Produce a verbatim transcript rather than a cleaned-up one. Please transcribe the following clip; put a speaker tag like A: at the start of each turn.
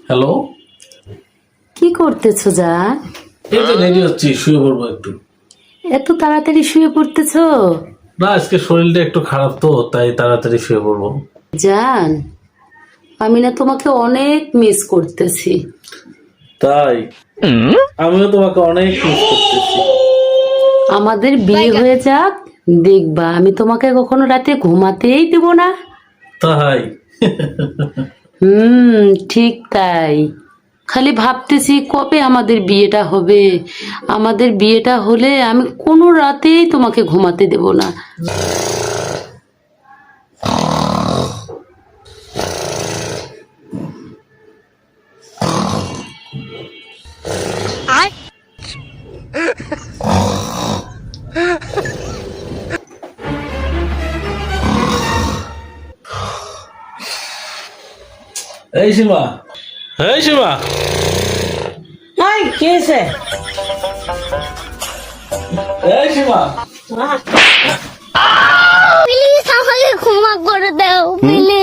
A: Hello,
B: কি করতেছো জান?
A: এই তো রেডি হচ্ছি, শুয়ে পড়বো একটু।
B: এত তাড়াতাড়ি শুয়ে পড়তেছো?
A: না, আজকে শরীরটা একটু খারাপ তো, তাই তাড়াতাড়ি শুয়ে পড়বো।
B: জান, আমি না তোমাকে অনেক মিস করতেছি।
A: তাই আমিও তোমাকে অনেক মিস করতেছি।
B: আমাদের বিয়ে হয়ে যাক, দেখবা আমি তোমাকে কখনো রাতে ঘুমাতেই দেব না।
A: তাই
B: হুম, ঠিক তাই। খালি ভাবতেছি কবে আমাদের বিয়েটা হবে। আমাদের বিয়েটা হলে আমি কোনো রাতেই তোমাকে ঘুমাতে দেব না।
A: এই সীমা, এই সীমা,
C: এই কি হয়েছে?
A: এই সীমা,
D: প্লিজ আমাকে ক্ষমা করে দাও প্লিজ।